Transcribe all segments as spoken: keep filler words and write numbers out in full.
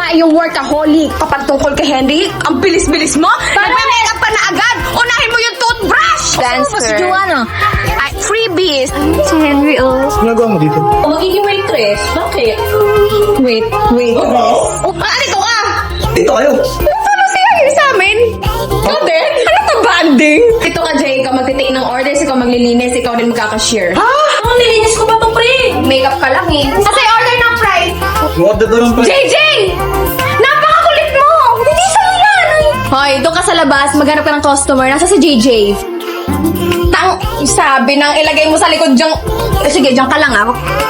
babae yung workaholic. Kapag tungkol kay Henry, ang bilis-bilis mo. Nagme-makeup ka na agad. Unahin mo yung toothbrush. Dancer. Si Joanna. Ay, freebies. Si Henry, oh. Ginagawa mo dito? Magiging waitress. Bakit? Wait, wait. Oh, alito ka! Dito kayo. Paano siya yun sa amin? Ikaw din? Ano to banding? Ito ka, Jay. Ikaw magtitake ng orders, ikaw maglilinis, ikaw din magkakashare. Ha? Ang nilinis ko pa to, pre? Makeup ka lang eh. Kasi order ng fries. Order doon ang J J! Napakakulit mo! Hindi sa yan! Hoy, doon ka sa labas, maghanap ka ng customer. Nasa si J J. Tang, sabi nang ilagay mo sa likod diyang... Eh, sige, dyan ka lang ah.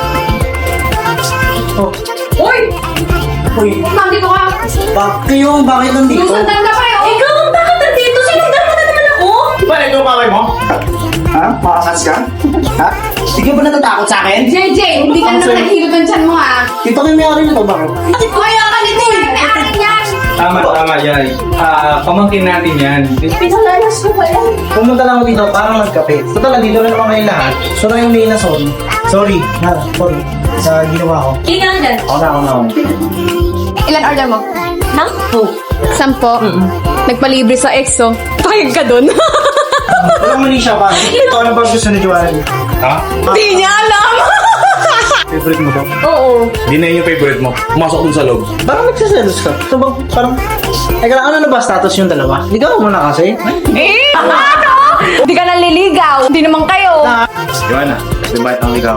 Oh. Uy! Uy, Nandito ka. bakit yung bakit nandito? Susundan ka pa eh. Ikaw, bakit nandito? Sinundan mo na naman ako. Ba, ito ang kakay mo? Ha? Makakans ka? Ha? Hindi ka ba natatakot sa akin? J J, hindi ka naman naghilot ng tiyan mo ah. Dito kayo may ari nito, bakit? Kaya ka nito eh. Akin yan. Tama, tama yan. Ah, pamangkin natin yan. Pinalalas ko ba yan? Pumunta lang ako dito para magkape. Total, dito na naman kayo lahat. So na yung Nina, sorry. Sorry, ha? Sorry. Sa ginawa ko. Tingnan dyan. Ako na, ako na, ako. Ilan order mo? Sampo. Sampo? Nagpalibre sa EXO. Pahig ka dun. Walang mali siya pa. Ito, ano ba gusto ni Joanne? Ha? Di niya alam. Favorite mo to? Oo. Di na yun yung favorite mo. Pumasok dun sa loob. Parang nagsiselos ka. Ito ba, parang... Teka lang, ano na ba status yung dalawa? Ligaw mo na kasi. Eh, ano? Hindi ka naliligaw. Hindi naman kayo. Joanna, di ba itong ligaw?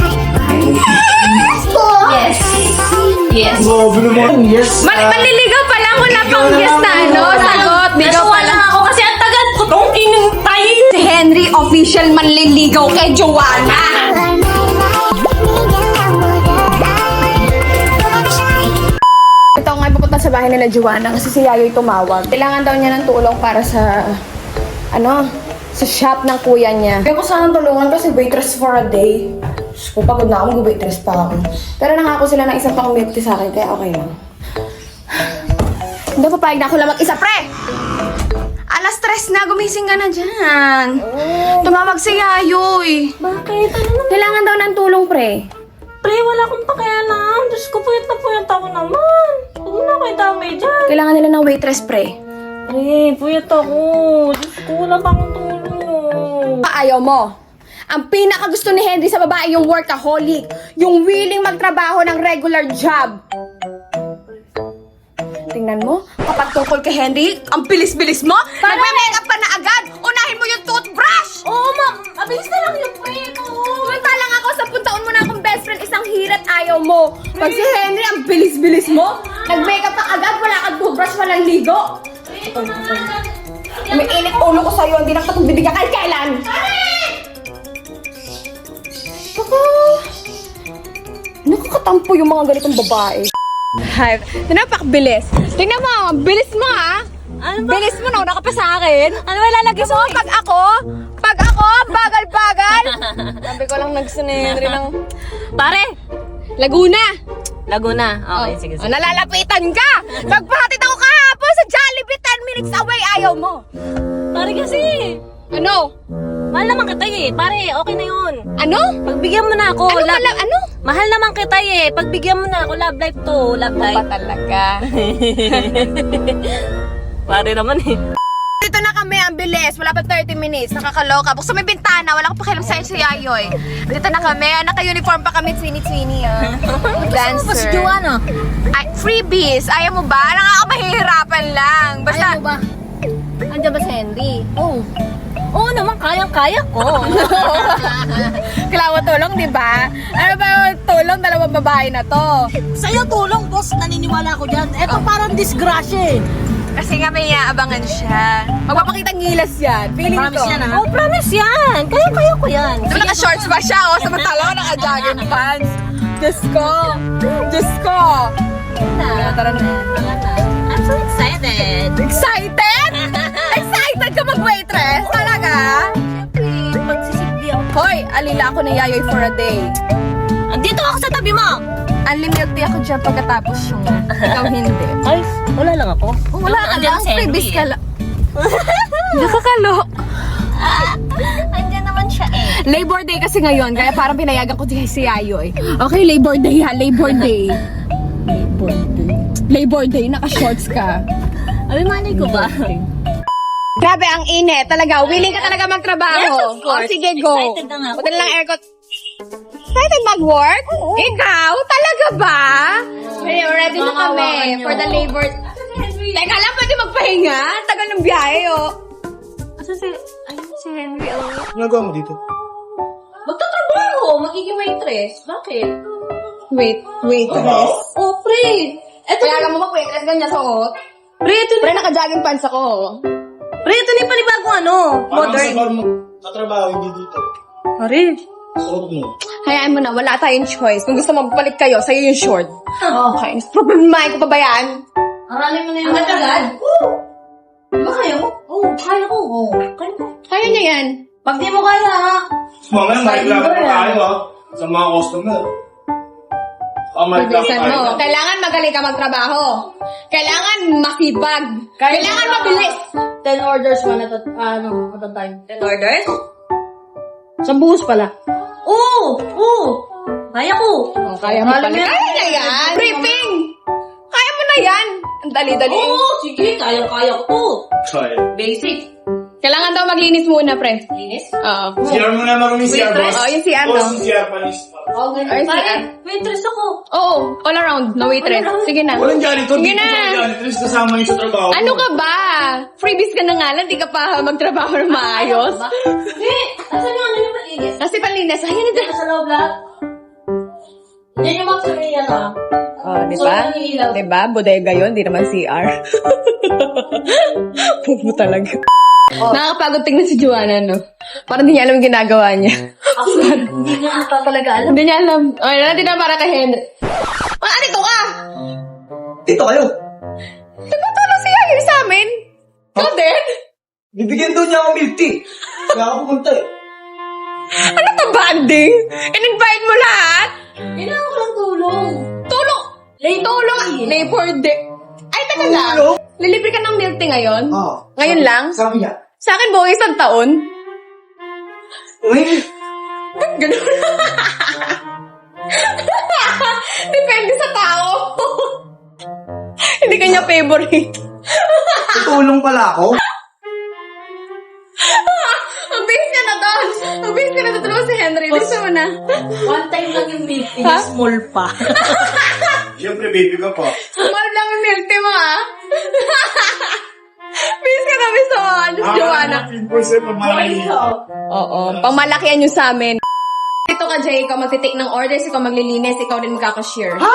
Yes. Yes. Grabe naman. Yes. Mal maliligaw pa lang. Wala pang yes na ano. Sagot. Ligaw pa lang ako kasi ang tagal ko tong inintay. Si Henry official manliligaw kay Joanna. Ito nga pupunta sa bahay nila Joanna kasi si Yayoy tumawag. Kailangan daw niya ng tulong para sa ano, sa shop ng kuya niya. Kaya ko sana tulungan kasi waitress for a day. Diyos ko, pagod na ako, mag-waitress pa ako. Pero nangako sila ng isang pang milk tea sa akin, kaya okay lang. Hindi, papayag na ako lang mag-isa, pre! Alas tres na, gumising ka na dyan. Tumawag si Yayoy. Bakit? Ano naman? Kailangan daw ng tulong, pre. Pre, wala akong pakialam. Diyos ko, puyat na puyat ako naman. Huwag mo na kayo damay dyan. Kailangan nila ng waitress, pre. Pre, puyat ako. Diyos ko, wala pa akong tulong. Ayaw mo. Ang pinakagusto ni Henry sa babae yung workaholic. Yung willing magtrabaho ng regular job. Tingnan mo, kapag tungkol kay Henry, ang bilis-bilis mo. Nagme-makeup ka na agad. Unahin mo yung toothbrush. Oo, ma'am. Mabilis na lang yung pre ko. Samantalang ako, sa taon mo na akong best friend, isang hirat ayaw mo. Pag si Henry, ang bilis-bilis mo. Nag-makeup ka agad, wala kang toothbrush, walang ligo. May init ulo ko sa'yo, hindi na kita bibigyan kahit kailan. Baka... Nakakatampo yung mga ganitong babae. Hi. Napakabilis. Tingnan mo, ang bilis mo ha. Ano ba? Bilis mo na, una ka pa sa akin. Ano ba lalagay Gusto mo pag ako, pag ako, bagal-bagal. Sabi ko lang nagsunenry ng... Pare! Laguna. Laguna. Okay, Oh. sige, Oh, sige. nalalapitan ka. Nagpahatid ako kahapon sa Jollibee, ten minutes away, ayaw mo. Pare kasi. Ano? Mahal naman kita eh. Pare, okay na yun. Ano? Pagbigyan mo na ako. Ano love- pala? Ano? Mahal naman kita eh. Pagbigyan mo na ako. Love life to. Love Ba life. talaga? Pare naman eh. Dito na kami, ang bilis. Wala pa thirty minutes. Nakakaloka. Buksan mo yung bintana. Wala ko pakialam sa'yo si Yayoy. Dito na kami. Naka-uniform pa kami. Twini-twini, ah. Dancer. Si Joanna. Ay, freebies. Ayaw mo ba? Alam nga ako mahihirapan lang. Basta... Ayaw mo ba? Andiyan ba si Henry? Oo. Oo naman, kayang-kaya ko. Kailangan mo tulong, di ba? Ano ba yung tulong? Dalawang babae na to. Sa'yo tulong, boss. Naniniwala ko dyan. Eto parang disgrasya eh. Kasi nga may iaabangan siya. Magpapakita ngilas yan. Feeling Promise ko. yan ha? Oh, promise yan. Kaya-kaya ko yan. Diba naka-shorts pa siya, oh? Samantala ko naka-jogging pants. Diyos ko. Diyos ko. Na, Tara na. Tara na. I'm so excited. Excited? Excited ka mag-waitress? Talaga? Siyempre, magsisigdi ako. Hoy, alila ako ni Yayoy for a day. Andito ako sa tabi mo. Unlimited ako dyan pagkatapos yung ikaw hindi. Ay, wala lang ako. Wala ka Andyan lang, si Henry freebies eh. ka lang. Nakakalo. Andyan naman siya eh. Labor Day kasi ngayon, kaya parang pinayagan ko si Yayoy. Okay, Labor Day ha, Labor Day. Labor Day. Labor Day, naka-shorts ka. Abi, manay ko ba? Grabe, ang init. Talaga, willing ka talaga magtrabaho. Yes, of course. O, sige, go. Excited na nga ako. Buti lang aircon. Excited mag-work? Ikaw? Talaga ba? Hey, ready na Makawakan kami niyo. for the labor. Teka lang, pwede magpahinga? Tagal ng biyahe, oh. Asan si, ano si Henry? Oh. Ginagawa mo dito? Magtatrabaho, magiging waitress. Bakit? Wait, waitress. Oh, pre. Eto, Kaya ka mo mag-waitress, ganyan suot. pre, ito Pre, na, naka-jogging pants ako. pre, ito na yung panibagong ano, modern. mo katrabaho, hindi dito. Pare. Suot mo. Hayaan mo na, wala tayong choice. Kung gusto magpalit kayo, sa'yo yung short. Oh. Okay, problemahin ko pa ba yan? Aralin mo na yung agad. Oo. Di ba kaya mo? Oo, kaya ko. Oo, kaya ko. Kaya niya yan. Pag di mo kaya, ha? Mamaya, may Sign reklamo ko pa yan. tayo ha. Sa mga customer. Ah, may reklamo Bilisan tayo. mo. Kailangan magaling ka magtrabaho. Kailangan masibag. Kahit Kailangan na- mabilis. ten orders man at, ano, at a time. ten orders? Sa buhos pala. Oo! Oo! Kaya ko. Oh, kaya mo pala. Alam mo yan. Kaya niya yan. Briefing. Kaya mo na yan. Ang dali-dali. Oo, sige, kaya-kaya ko to. Sorry. Basic. Kailangan daw maglinis muna, pre. Linis? Oo. C R mo na marunong C R, boss. Oh, yung C R Boss, daw. yung C R panis. Oo, Ay, ganyan. sige. Kaya, waitress ako. Oo, all around. No waitress. All around. Sige na. Walang janitor. Sige Dito na. sa janitor. Kasama niyo sa trabaho. Ano ka ba? Freebies ka na nga lang. Di ka pa magtrabaho ng maayos. Ba? Hindi! Asan yung ano yung malinis? Kasi panlinis. Ayan na. Dito sa loob lahat. Yan yung mga suriyan ah. Oh, di So, ba? ano yung ilaw? Di ba? Bodega yun, di naman C R. Pupo talaga. Nakakapagod tingnan si Joanna, no? Parang di niya alam yung ginagawa niya. Ako, hindi na ata talaga alam. Hindi niya alam. Ay, natin na para kay Henry. Ah, dito ka! Dito kayo. Nagpatulong si Yayo sa amin. Ikaw din? Bibigyan daw niya ako milk tea. Kaya ako pumunta eh. Ano to, banding? In-invite mo lahat? Kailangan ko lang tulong. Tulong! Tulong! Labor Day. Ay, teka lang. Tulong? Lilibre ka ng milk tea ngayon? Oo. Ngayon lang? Sabi niya. Sa akin, buong isang taon. Uy, Ganun. Depende sa tao. Hindi kanya favorite. tutulong pala ako. Ang bilis ka na doon. Ang bilis ka na tutulong si Henry. Gusto mo na. One time lang yung milk tea, Ha? small pa. Siyempre, baby ko po. Mahal lang yung milk tea mo, ha? Bilis ka na, bilis mo. Ano si Joanna? fifteen percent pag malaki. Oo. Pamalakihan nyo sa amin. Ito ka, Jay. Ikaw magtitake ng orders. Ikaw maglilinis. Ikaw din magkakashare. Ha?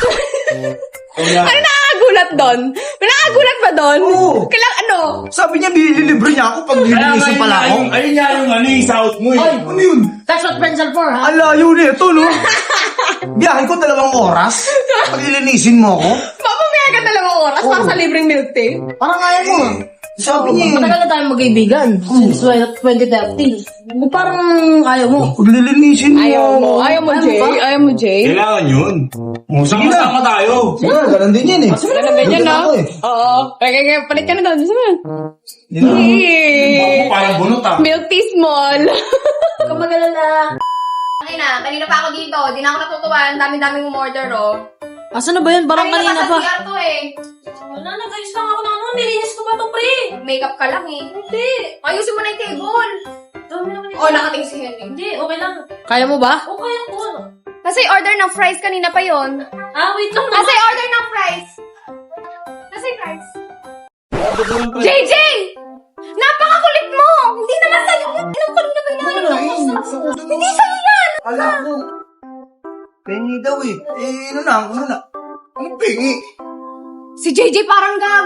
Ano nakakagulat doon? May nakakagulat ba doon? Oo. Kailang ano? Sabi niya, bililibre niya ako pag lilinisin pala ako. Ayun, ayun nga yung ano, yung south mo eh. Ano yun? That's what friends are for, ha? Alayo na ito, no? Biyahe ko dalawang oras. Pag ilinisin mo ako. Papamaya ka dalawang oras para sa libreng milk tea? Parang kaya mo. Sabi niya, eh. Matagal na tayong magkaibigan. Since twenty thirteen. Parang ayaw mo. pag lilinisin mo Ayaw ako. mo. Ayaw mo, Jay. Ayaw mo, Jay. Kailangan yun. Oh, sige na. Sama-sama tayo. Sige na, ganun din yan eh. Ganun din yan, no? Ako eh. Oo. Kaya, kaya, palit ka na doon. Gusto mo? Yun na. Ako parang bunot ah. Milk tea small. Kung magalala. Ay na, kanina pa ako dito. Di na ako natutuwa. Ang dami-daming umorder, oh. Asan na ba yun? Parang kanina pa. Kanina to, eh. Wala, nag-ayos lang ako na ano. Nilinis ko ba ito, pre? Makeup ka lang, eh. Hindi. Ayusin mo na yung table. Dami naman Oh, nakating si Henry. Hindi, okay lang. Kaya mo ba? O, kaya ko. Kasi order ng fries kanina pa yon. Ah, wait lang Kasi naman. order ng fries. Kasi fries. J J! Napakakulit mo! Hindi naman sa'yo. Anong kulit na kailangan mo? Hindi sa'yo yan! Ala ko. Pengi daw eh. Eh, ano na, ano na. Anong pengi? Si J J parang gag.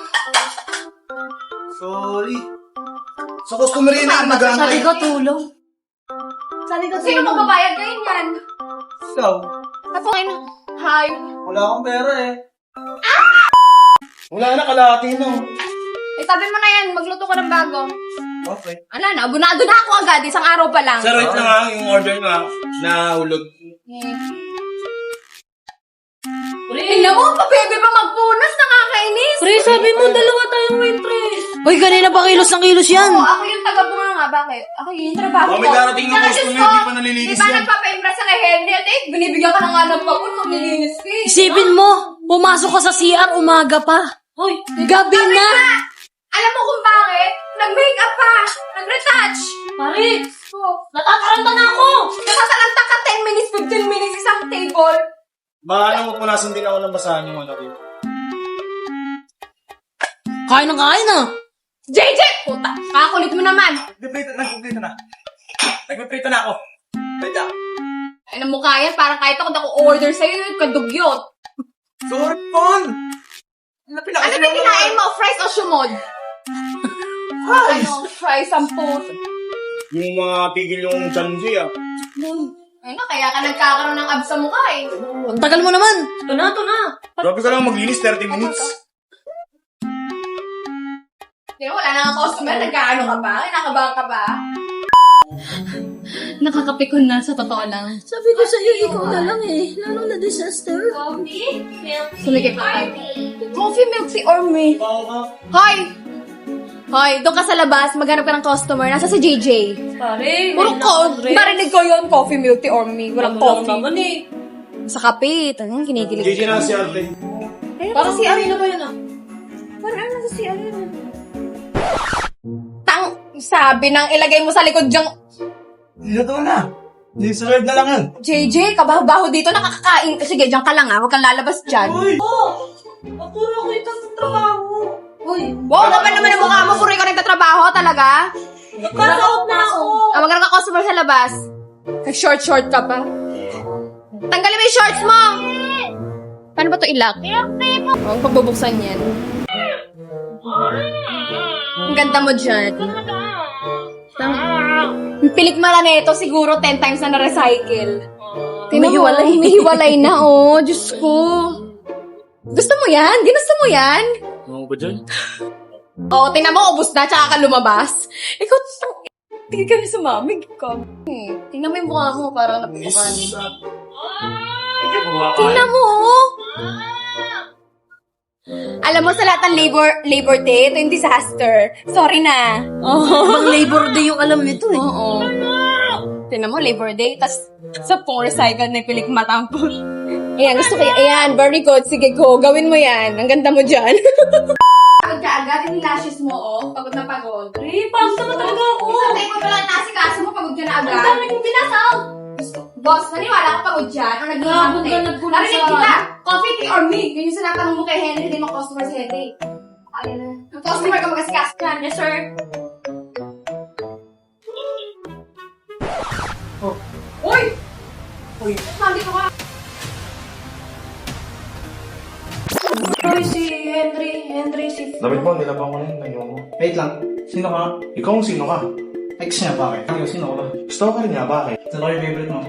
Sorry. Sa customer yun na Sabi nag-aantay. ko, tulong. Sabi ko, Sino tulong. magbabayad ngayon yan? Ikaw, Ako ngayon. Hi. wala akong pera eh. Wala na, kalahati no. Eh, sabi mo na yan. Magluto ka ng bago. Okay. Ala na, abunado na ako agad. Isang araw pa lang. Sir, wait lang ah. Yung order nyo ah. Nahulog. Pre, Tingnan mo, pa bebe pa magpunas. Nakakainis. pre, sabi mo, dalawa tayong waitress. Uy, kanina pa kilos ng kilos yan. Oo, ako yung taga-bunga. Bakit? Ako yung trabaho Oh, ko. may darating na Saka, customer, Diyos ko, di pa nalilinis Di ba yan. nagpapa-impress sa kay Henry? At eh, binibigyan ka ng alam ka po, maglilinis ka eh. Isipin mo, Pumasok ka sa C R, umaga pa. Hoy, Gabi na! Alam mo kung bakit? Nag-makeup pa! Nag-retouch! pare, Oh, natataranta na ako! nakasalanta ka ten minutes, fifteen minutes isang table. Baka alam mo, punasan din ako ng basahan yung ano dito. Kain ng kain ah. J J! Puta, kakakulit mo naman. Nag-prito na, nag-prito na. Nag-prito na ako. Wait lang. Ay, na mukha yan, parang kahit ako na-order sa'yo, yung kadugyot. Sorry, Paul! Ano Ano ba kinain mo? Fries o shumod? Fries! Ano? Fries ang puso. Yung mga pigil yung chanji ah. Ayun na, kaya ka nagkakaroon ng abs sa mukha eh. Ang tagal mo naman. Ito na, ito na. Grabe ka lang maglinis, thirty minutes. Di ba, wala na ang customer, nagkaano ka ba? Kinakabahan ka ba? Nakakapikon na, sa totoo lang. Sabi ko sa'yo, ikaw na lang eh. Lalong na disaster. Coffee? Milk Sumikip ka. Coffee, milk tea, or me? Hoy! Hoy, doon ka sa labas, maghanap ka ng customer. Nasa si J J. Pare, Puro ko, marinig ko yun, coffee, milk tea, or me. Walang Wala coffee. naman eh. Sa kape, tanong kinikilig. J J na si Arte. Para si Ano ba yun ah? Parang ano nasa si ano? Tang, sabi nang ilagay mo sa likod diyang Luto na. Deserve na lang yan. J J, kabaho-baho dito, nakakakain. Sige, diyan ka lang ah, huwag kang lalabas dyan. Oh! Apuro ko itong trabaho. Uy, Wow, kapal naman ang mukha mo, puro ikaw nagtatrabaho talaga. nakasaot na ako. Ah, magkaroon ka customer sa labas. Kag-short-short ka pa. Tanggalin mo yung shorts mo! Paano ba ito ilak? Huwag pagbubuksan yan. Ang ganda mo dyan. Yung pilikmala na ito, siguro ten times na na-recycle. Humihiwalay. Humihiwalay na, oh. Diyos ko. Gusto mo yan? Ginusto mo yan? Ano ba dyan? Oo, tingnan mo, ubus na, tsaka ka lumabas. Ikaw, tingin kami sa mami. Ikaw. Hmm. Tingnan mo yung mukha mo, parang napupukan. Tingnan mo, oh. Alam mo, sa lahat ng labor, labor day, ito yung disaster. Sorry na. Oh, Pang Labor Day yung alam nito eh. Oo. Tingnan mo, labor day, tas sa pong recycle na pilik matampon. Ayan, gusto ko yan. Ayan, very good. Sige, go. Gawin mo yan. Ang ganda mo dyan. Pagod ka agad, yung lashes mo, oh. Pagod na pagod. Eh, pagod naman talaga ako. Isang day ko pala nasikaso mo, pagod ka na agad. Ang dami kong pinasaw. Boss, naniwala ka pagod dyan? Or nag-iwan Nabog ka, nagkulang Narinig sa- kita. Coffee, tea, or me? Yun yung sinatanong mo kay Henry, hindi mo customer si Henry. Ayun na. Ang customer ka mag-asikaso dyan. Yes, sir. Oh. Uy! Uy. Mami ko ka. Hoy, si Henry, Henry, si... Dapat mo, nilabang ko na yun. Ayaw mo. Wait lang. Sino ka? Ikaw ang sino ka? Ex niya, bakit? Ano, sino ka ba? Stalker niya, bakit? Ito lang yung favorite mo.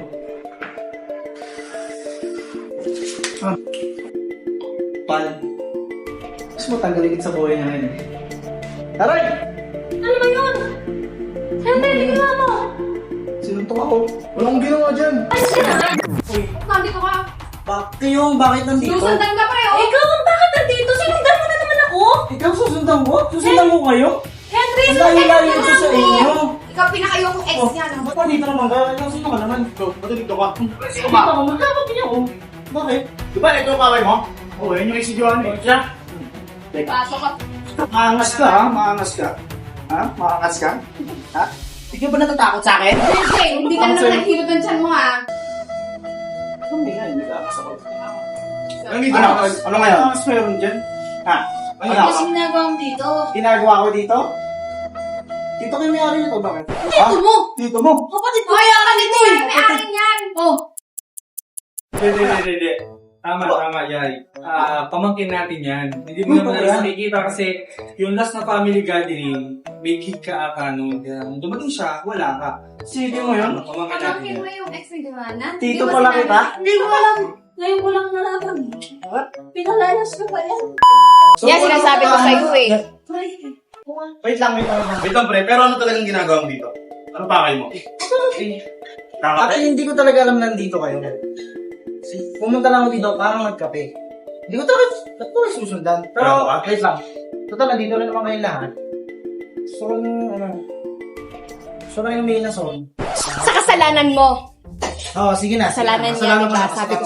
Ah. Pal. Gusto mo tanggalin sa buhay niya ngayon. Taray! Ano ba yun? Henry, tingnan mo. Sinuntok ako. Wala akong ginawa dyan. Mami ko ka. Bakit kayo? Bakit nandito? Susundan ka pre, oh. Ikaw, bakit nandito? Sinundan mo na naman ako? Ikaw susundan ko? Susundan ko kayo? Henry, Ang sinundan layo-layo mo ko na sa ako. inyo. Ikaw pinakayokong ex Oh, niya. No? ba't pa dito naman ka? Ikaw sino ka naman? Ikaw, ba't dito ka? Sino ba? Magkakot niya ako. Bakit? Di ba ito yung kaway mo? Oo, yun yung isidyuhan eh. Siya? Pasok ka. Maangas ka ha? Maangas ka. Ha? Maangas ka? Ha? Hindi ka ba natatakot sa akin? Jay, hindi ka na Ang sa'yo. naman naghilot ng tiyan mo, ha? Hindi nga, hindi ka kasama. Nandito Ano? na. Ano ngayon? Ano mas meron dyan? Ha? Ano Ano ka? kasi ginagawa mo dito? Ginagawa ko dito? Dito kayo may-ari nito, bakit? Dito mo! Dito mo? Kapatid ko! Hoy, ako dito eh! May akin yan! Oh, Hindi, hindi, hindi, hindi. Tama, tama, Yay. Ah, pamangkin natin yan. Hindi mo naman alas nakikita kasi yung last na family gathering, may gig ka ata noon. Kaya nung dumating siya, wala ka. Sige mo yun? Pamangkin natin Pamangkin yan. mo yung ex ni Joanna? Tito Di ba pala sinabi? kita? hindi ko alam. Ngayon ko lang nalaman. What? Pinalayas ko pa yan. Yan, sinasabi ko sa'yo eh. Ay, Wait lang, wait lang. wait lang. Wait lang pre, pero ano talagang ginagawa mo dito? Ano pa kayo mo? Kaka- Actually, hindi ko talaga alam nandito kayo. Pumunta lang ako dito, parang nagkape. Hindi ko talaga, ba't ko kayo susundan? Pero, Ano ka? wait lang. Total, nandito rin naman kayo lahat. So, ano, so na yung main na song. Sa kasalanan mo. Oo, oh, sige na. sige Kasalanan na. niya, di ko ba? na, Sabi ko kasalanan sa'yo,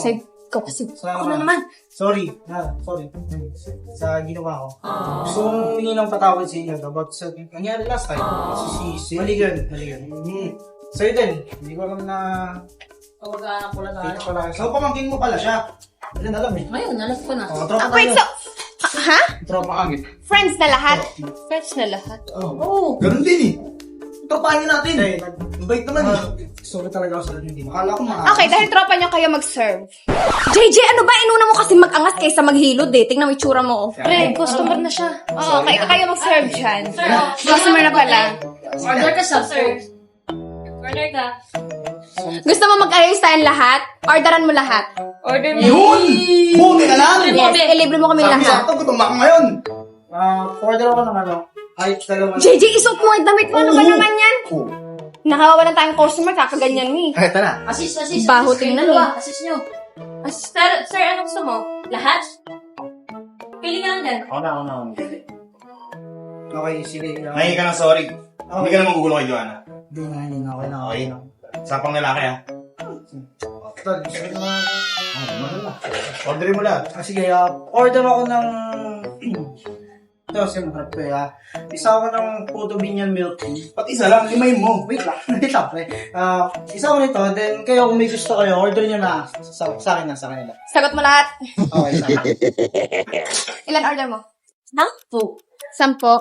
Ikaw kasi. Salamat. Ako na naman. Sorry. Ha, sorry. Sa ginawa ko. Gusto kong humingi ng patawad sa inyo about sa nangyari last time. Si si Mali yun. Mali yun. Hmm. Sa'yo din. Hindi ko alam na Pagkakaan ko lang kita pala. So, pamangkin mo pala siya. Hindi na alam eh. Ngayon, alam ko na. Oh, tropa Ah, wait, tayo. so... ah, ha? Tropa kami. Friends na lahat? Friends na lahat? Oh. Oo. Ganun din eh. Tropahin natin. Eh, nag- Bait naman eh. Ah, sorry talaga ako sa hindi. Akala ko mga... Okay, dahil tropa niyo kayo mag-serve. J J, ano ba? Inuna mo kasi mag-angas kaysa maghilod eh. Tingnan mo yung tsura mo. Pre, customer na siya. Oo, kayo, kayo mag-serve dyan. Customer na pala. Order ka sa sir. Order ka. Gusto mo mag-ayos tayong lahat? Orderan mo lahat. Order mo. Yun! Buti na lang! Yes, ilibre mo kami lahat. Sakto, gutom ako ngayon. Ah, order ako ng ano. Ay, dalawa. J J, isuot mo ang damit mo. Ano ba naman yan? Nakawalan tayong customer, kakaganyan ni. Ay, tara. Assist, assist. Baho assist tingnan kayo, eh. ah. Assist nyo. Sir, sir, ano gusto mo? Lahat? Pili ka lang dyan. Ako na, ako na. ako na. Okay, sige. Mahingi ka ng sorry. Hindi ka naman gugulo kay Joanna. Hindi na, hindi na. Okay na, okay na. Sapang lalaki ah. Tol, gusto ko na. Orderin mo lahat. Ah, sige, ah, order ako ng... Ito, simulat ko ah. Isa ako ng Puto Binyan Milk Tea. Pati isa lang, limayin mo. Wait lang, wait lang, pre. Ah, isa ako nito, then kayo kung may gusto kayo, order nyo na. Sa, sa akin na, sa kanila. Sagot mo lahat. Okay, sa akin. Ilan order mo? Sampu. Sampo.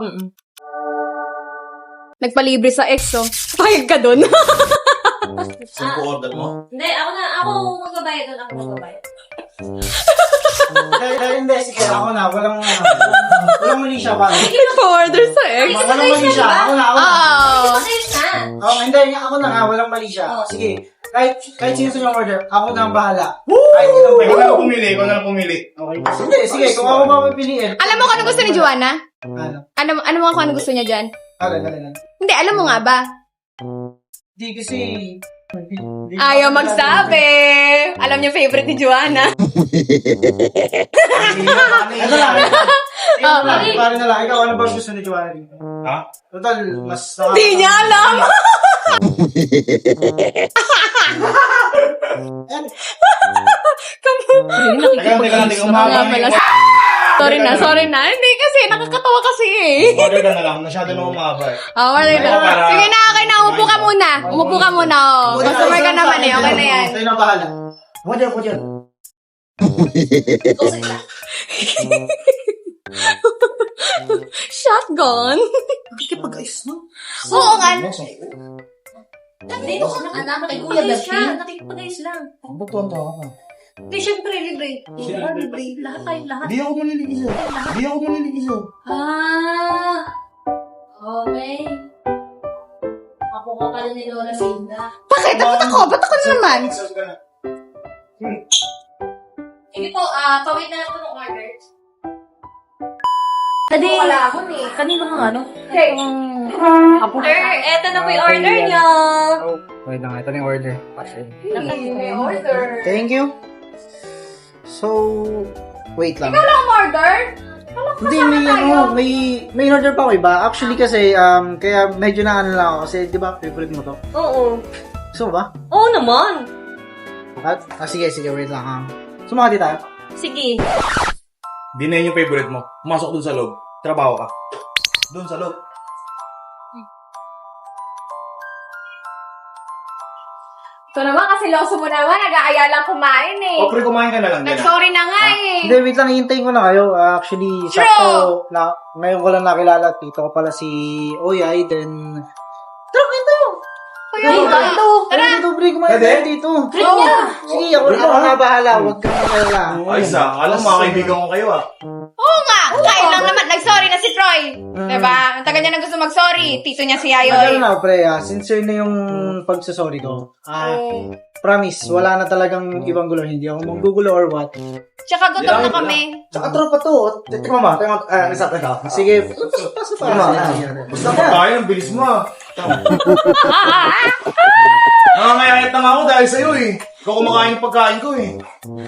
Nagpalibre sa ex, oh. Payag ka dun. Saan ko order mo? Hindi, ako na, ako magbabayad doon. Ako magbabayad. Dahil, dahil hindi, sige, ako na, walang, walang mali siya, pare. Nagpa-order sa ex. Walang mali siya, ako na, ako na. Oh. Ayos na. Oh, hindi, ako na nga, walang mali siya. Sige, kahit, kahit sino sa yung order, ako na ang bahala. Kahit ilang Ikaw na pwede. lang pumili, ikaw na lang pumili. Okay. Sige, sige, kung ako mapipiliin. Alam mo kung ano gusto ni Joanna? Ano? Ano, ano mo kung ano gusto niya dyan? Ano, ano, ano. Hindi, alam mo nga ba? Hindi kasi... hindi- Ayaw magsabi. Alam niya favorite ni Joanna. Ito lang. Oh, Ikaw lang, pare na lang. Ikaw, ano ba gusto ni Joanna dito? Ha? Total, mas... Hindi niya alam. Teka lang, teka lang, teka lang. Nga Umahaba pala. na Sorry na, sorry na. Hindi kasi, nakakatawa kasi eh. yung order ka na lang. Masyado na umahaba eh. Oh, order na. Para- Sige na, okay na. Umupo ka muna. Umupo ka muna, oh. Customer ka naman eh. Okay na yan. Sa'yo na bahala. Ako dyan, ako dyan. Shotgun. Kikipag-ayos mo. Oo nga. Hindi, anak, nakikipag-ayos siya. Nakikipag-ayos lang. Ang butuan to ako. Hindi, syempre, libre. Libre, libre. Lahat tayo, lahat. Hindi ako maniligiso. Hindi ako maniligiso. Ah, okay. Ako ka pala ni Lola Linda. Bakit? Bakit ako? Ba't ako naman? Sige po, ah, pawait na lang po ng order. Tadi. Wala ako eh. Kanino kang ano? Okay. Sir, eto na po yung order niyo. Wait lang, ito na yung order. May order. Thank you. So, wait lang. Ikaw lang order? Hindi, may ano, may, may order pa ako iba. Actually kasi, um, kaya medyo na ano lang ako kasi, di ba, favorite mo to? Oo. Gusto mo ba? Oo naman. At, ah, sige, sige, wait lang ha. Sumakati tayo. Sige. Di na yun yung favorite mo. Pumasok dun sa loob. Trabaho ka. Dun sa loob. Ito naman kasi loso mo naman. Nag-aaya lang kumain eh. O, pre, kumain ka na lang. Ganun. Nag-sorry na nga eh. Hindi, wait lang, hihintayin ko na kayo. Ah, actually, sakto, na, ngayon ko lang nakilala. Tito ko pala si Oyay, then... Tara, kwento! Kuya, ito. Tara! Dito, pre, kumain Pwede? tayo dito. Oo. Sige, ako, ako na bahala. Huwag kang magalala. Ay, sa, alam, mga kaibigan ko kayo ah. Oo nga. Kain lang naman. Nag-sorry na si Troy. Diba? Ang taga niya na gusto mag-sorry. Tito niya si Ano Yayoy. na, pre, ah, sincere na yung pagsasorry ko. Ah, promise, wala na talagang ibang gulo. Hindi ako manggugulo or what. Tsaka gutom na kami. Tsaka tropa to. Tika mama, tika mama. Ah, nasa tika. Sige, pasok, pasok pa. Basta pagkain, ang bilis mo ah. Nangangayalit na nga ako dahil sa'yo eh. Ikaw kumakain yung pagkain ko eh.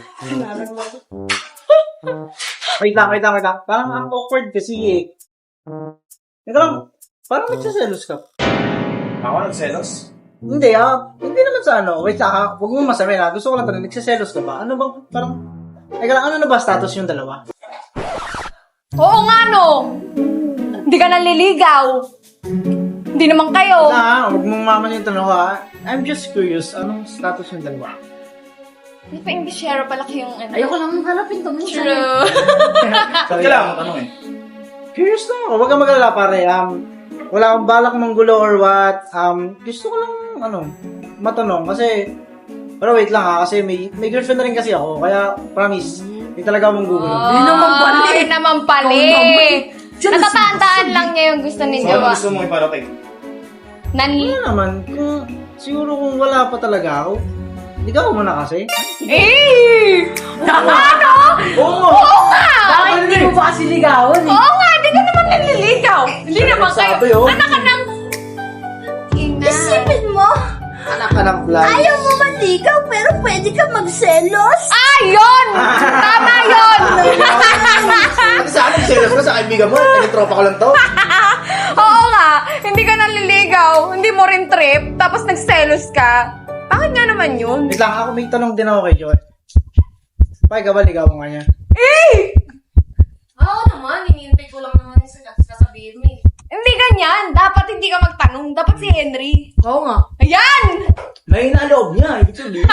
Wait lang, wait lang, wait lang. Parang ang awkward kasi eh. Ito lang, parang nagsaselos ka. Ako nagselos? Hindi ah, hindi naman sa ano. Wait lang ha, huwag mo masabi na. Gusto ko lang tanong, nagsiselos ka ba? Ano bang, parang, ay lang, ano na ba status yung dalawa? Oo nga no! Hindi ka naliligaw. Hindi naman kayo. Wala ha, huwag mong maman yung tanong ha. I'm just curious, anong status yung dalawa? Hindi pa Englishero pala kayong ano. Ayoko lang hanapin to. Minsan. True. Ba't kailangan mo tanong eh? Curious lang ako, huwag kang mag-alala pare. Um, wala akong balak manggulo or what. Um, gusto ko lang, ano, matanong. Kasi, pero wait lang ha, kasi may, may girlfriend na rin kasi ako. Kaya, promise, hindi talaga ako manggugulo. Yun naman pala eh. Ay, naman pala Ikaw eh. naman. Natatandaan lang niya yung gusto ni So, ano Jowa. gusto mong iparating? Nan... Ano naman, kung, siguro kung wala pa talaga ako, hindi ka muna kasi. Eh! Ano? Oo! Oo nga! Bakit hindi mo pa kasi ligawan eh? Oo nga, hindi ka naman naliligaw. Hindi naman kayo. Sabi, oh. Anak ka ng... Ina. Isipin mo, Anak ka ng fly. ayaw mo manligaw pero pwede ka magselos. Ah, yun! Tama yun! At sa akin, serious ka sa kaibigan mo. Naging tropa ko lang to. Oo nga, hindi ka naliligaw, hindi mo rin trip, tapos nagselos ka. Bakit nga naman yun? Wait lang, ako may tanong din ako kay Joy. Pakay ka ba, ligawan ka niya? Eh! Oo naman, hinihintay ko lang naman yung sasabihin mo eh. Hindi ganyan. Dapat hindi ka magtanong. Dapat si Henry. Oo nga. Ayan! May naloob niya, ibig sabihin.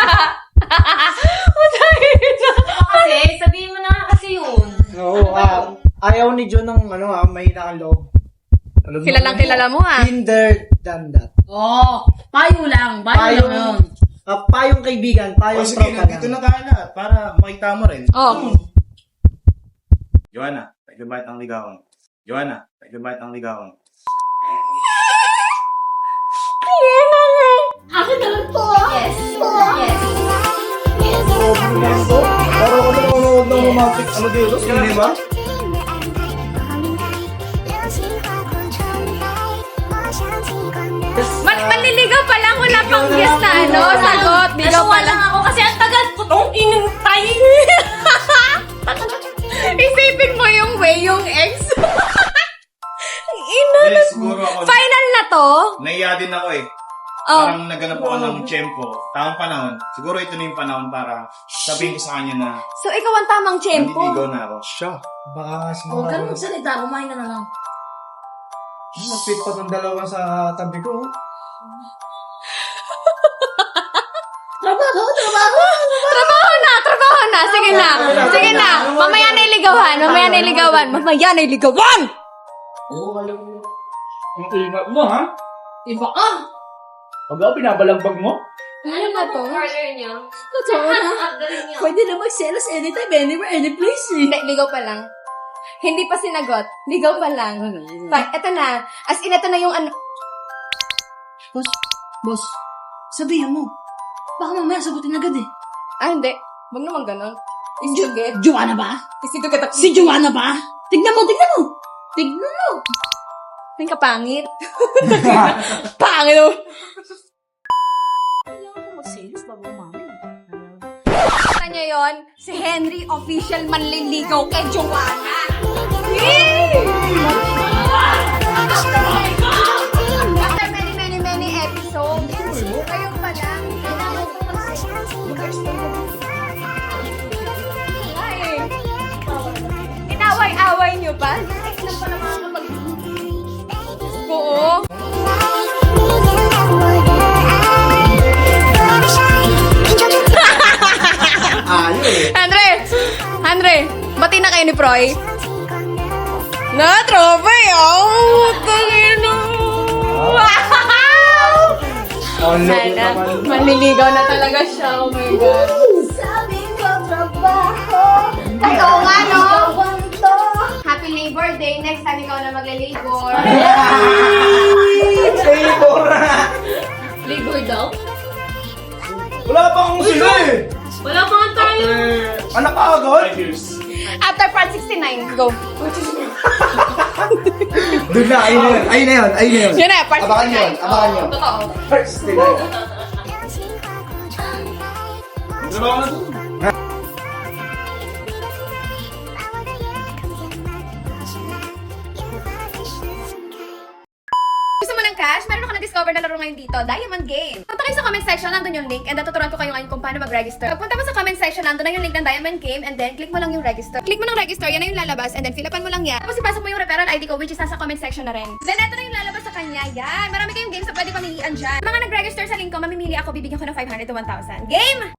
Kasi, sabihin mo na nga kasi yun. Oo, ah, ayaw ni John ng ano ah, may nakaloob. Alam mo, Kilalang kilala mo ah. Kinder than that. Oo. Payo lang. Payo lang yun. Ah, payong kaibigan, O payong sige, tropa nandito lang. na tayo lahat para makita mo rin. Oh. Joanna, pwede ba itang ligawan? Joanna, pwede ba itang ligawan? Akin na lang to. Yes. Yes. Pero kung nanonood ng romantic, ano dito? Hindi ba? Man manliligaw pa lang. Wala pang guess na ano. Sagot. Ligaw pa lang. ako kasi ang tagal ko tong inintay. Isipin mo yung way yung ex. Ang ina. Yes, siguro ako. Final na to? Naiya din ako eh. Oh. Parang naganap ako ng tiyempo. Tamang panahon. Siguro ito na yung panahon para sabihin ko sa kanya na So, ikaw ang tamang tiyempo. nandiligaw na ako. Siya. Baka kasi Huwag ka mga... nang magsalita. Kumain ka na lang. Nag-fit pa ng dalawa sa tabi ko. Trabaho, trabaho. Trabaho na, trabaho na. Sige na. Sige na. Mamaya na iligawan. Mamaya na iligawan. Mamaya na iligawan. Oo, alam mo. Ang ingat mo, ha? Iba ka. Pag ako binabalagbag mo? Ano na to? Totoo na. Pwede na magselos anytime, anywhere, any place eh. Hindi, ligaw pa lang. Hindi pa sinagot. Ligaw pa lang. Pa, eto na. As in, eto na yung ano. Boss, boss, sabihin mo. Baka mamaya sagutin agad eh. Ah, hindi. Huwag naman ganon. Isugit. Joanna ba? Isito kita. Si Joanna ba? Tignan mo, tignan mo. Tignan mo. Yung kapangit. Pangit mo. Kailangan mo magselos bago umami. Kita niyo yun? Si Henry official manliligaw kay Joanna. Yay! After many, many, many episodes, kayo pa lang. Ay, inaway-away niyo ba? Ex lang pala mga kapag... Oo. Ayun eh. Andre! Andre! Bati na kayo ni Proy? Na, tropa eh! Oh! Tangino! Ano Sana, manliligaw na talaga siya. Oh my God. Sabi ko, trabaho. Ay, oo nga, no? Happy Labor Day. Next time ikaw na magle-labor. Labor daw? Wala pa akong sila eh! Wala pa nga tayo. Anak ka agad? After part sixty-nine, go. Doon na, ayun na yun. Ayun na yun, ayun na yun. Yun na, part Abangan sixty-nine. yun, abangan yun. Totoo. First, stay na. Trabaho na to. Gusto mo ng cash? Meron ako na-discover na laro ngayon dito, Diamond Game. Punta kayo sa comment section, nandun yung link, and natuturuan ko kayo ngayon kung paano mag-register. Pagpunta mo sa comment section, nandun na yung link ng Diamond Game, and then click mo lang yung register. Click mo ng register, yan na yung lalabas, and then fill upan mo lang yan. Tapos ipasok mo yung referral I D ko, which is nasa comment section na rin. Then eto na yung lalabas sa kanya, yan. Marami kayong games na pwede pamilian dyan. Mga nag-register sa link ko, mamimili ako, bibigyan ko ng five hundred to one thousand. Game!